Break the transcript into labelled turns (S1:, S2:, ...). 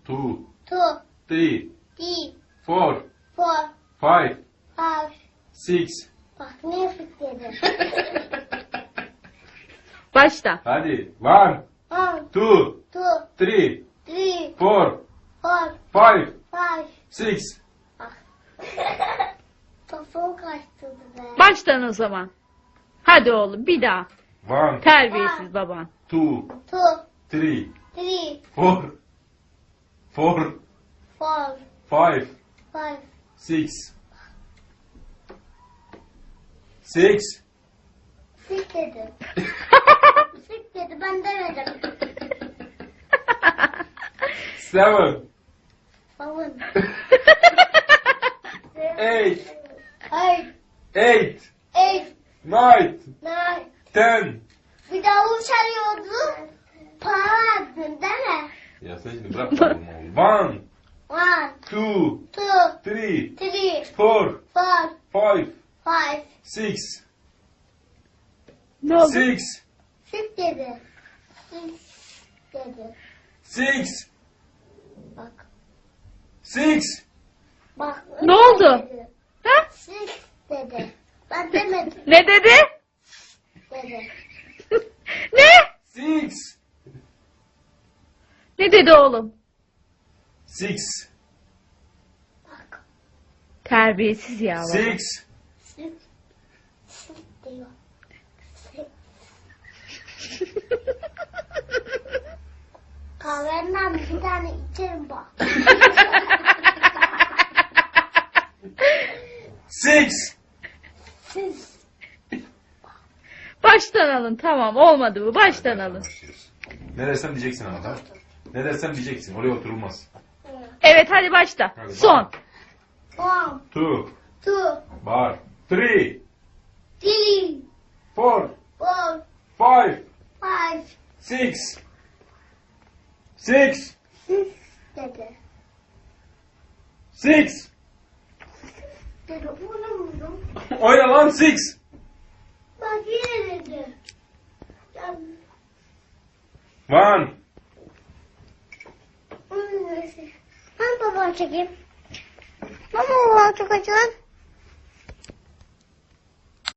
S1: 2,
S2: two,
S1: 3,
S2: three,
S1: 4,
S2: four,
S1: 5,
S2: five.
S1: 6.
S2: Bak ne fıkladı.
S3: Başla.
S1: Hadi. 1,
S2: One,
S1: 2,
S2: two,
S1: 3,
S2: three,
S1: 4,
S2: four,
S1: 5,
S2: five.
S1: 6.
S2: Kafam kaçtı be.
S3: Baştan o zaman. Hadi oğlum bir daha.
S1: 1,
S3: Terbiyesiz baban.
S1: 2,
S2: Two,
S1: 3,
S2: three,
S1: 4, 4,
S2: four,
S1: 5,
S2: five.
S1: 6. 6.
S2: Sik dedi. Sik dedi ben demedim.
S1: 7,
S2: Babın.
S1: 8,
S2: Eight,
S1: 8,
S2: eight,
S1: 9,
S2: nine.
S1: 10.
S2: Bir daha uçarıyordu. Para verdin değil mi?
S1: Ya sen şimdi bırak oğlum. 1,
S2: One,
S1: 2,
S2: two,
S1: 3,
S2: three,
S1: 4,
S2: four,
S1: 5,
S2: five.
S1: 6.
S3: Ne oldu?
S1: 6,
S2: Sik dedi. Sik dedi.
S1: 6,
S2: Bak.
S1: 6.
S2: Bak.
S3: Ne oldu?
S2: Dedi.
S3: Ha?
S2: Sik dedi. Ben demedim
S3: Ne dedi?
S2: dedi.
S3: Ne?
S1: 6,
S3: Ne dedi oğlum?
S1: 6,
S2: Bak.
S3: Terbiyesiz ya baba.
S1: 6.
S2: Sik. Sik diyor. Sik. Kahvenden bir tane içerim bak.
S1: 6.
S2: Siz.
S3: Baştan alın tamam olmadı bu baştan alın.
S1: Ne dersem diyeceksin ama tamam. Ne dersem diyeceksin. Oraya oturulmaz.
S3: Evet hadi başla.
S1: Hadi,
S3: Son.
S2: 1,
S1: 2,
S2: two,
S1: 3,
S2: three,
S1: 4,
S2: four,
S1: 5,
S2: five.
S1: 6. 6,
S2: Siz dedi.
S1: 6.
S2: Dedi oynamıyorum.
S1: Oyna lan 6.
S2: Bak yine dedi. Ya,
S1: 1,
S2: ben babamı çekeyim. Baba babamı çekeceğim.